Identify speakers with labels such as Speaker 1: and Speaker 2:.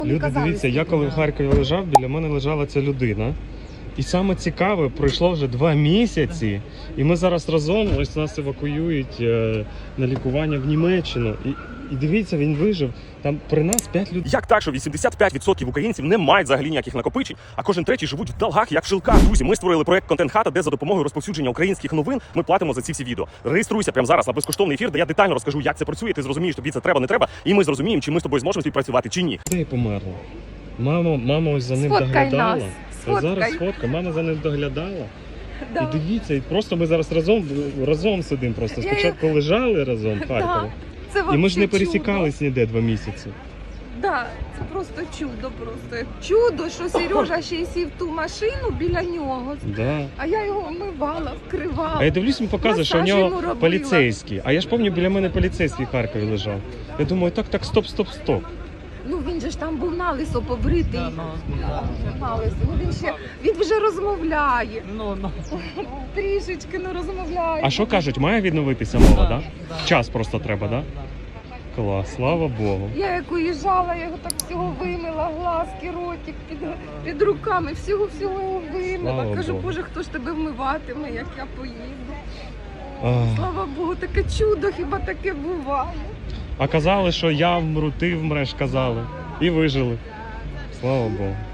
Speaker 1: Люди, дивіться, я коли в Харкові лежав, біля мене лежала ця людина. І саме цікаве, пройшло вже 2 місяці, і ми зараз разом, ось нас евакуюють на лікування в Німеччину. І дивіться, він вижив. Там при нас 5 людей.
Speaker 2: Як так, що 85% українців не мають взагалі ніяких накопичень, а кожен третій живуть в долгах, як в жилках. Друзі, ми створили проект «Контент-хата», де за допомогою розповсюдження українських новин ми платимо за ці всі відео. Реєструйся прямо зараз на безкоштовний ефір, де я детально розкажу, як це працює, ти зрозумієш, тобі це треба, не треба, і ми зрозуміємо, чи ми з тобою зможемо співпрацювати, чи ні.
Speaker 1: Людей померло. Мама ось за ним
Speaker 3: Сфоткай
Speaker 1: доглядала.
Speaker 3: нас.
Speaker 1: А зараз фотка, мама за ним доглядала.
Speaker 3: Да.
Speaker 1: І дивіться, і просто ми зараз разом сидимо. Просто спочатку лежали разом в Харкові.
Speaker 3: Це
Speaker 1: І ми ж не
Speaker 3: вообще
Speaker 1: пересікались ніде 2 місяці.
Speaker 3: Да, це просто чудо, просто чудо, що Сережа ще й сів в ту машину біля нього,
Speaker 1: Да.
Speaker 3: а я його вмивала, вкривала.
Speaker 1: А я дивлюсь, він показує, що в
Speaker 3: Масаж йому
Speaker 1: нього
Speaker 3: робила.
Speaker 1: поліцейський. А я ж пам'ятаю, біля мене поліцейський в Харкові лежав. Я думаю, так, стоп.
Speaker 3: Ну він же ж там був налисо побритий. Налисо. Він вже розмовляє. Трішечки не розмовляє.
Speaker 1: А що кажуть, має відновитися мова, да? Час просто треба, да? Клас, слава Богу.
Speaker 3: Я як уїжджала, я його так всього вимила, глазки, ротик, під руками, всього його вимила.
Speaker 1: Слава
Speaker 3: Кажу,
Speaker 1: Богу.
Speaker 3: Боже, хто ж тебе вмиватиме, як я поїду.
Speaker 1: Ах.
Speaker 3: Слава Богу, таке чудо, хіба таке буває.
Speaker 1: А казали, що я вмру, ти вмреш, казали. І вижили. Слава Богу.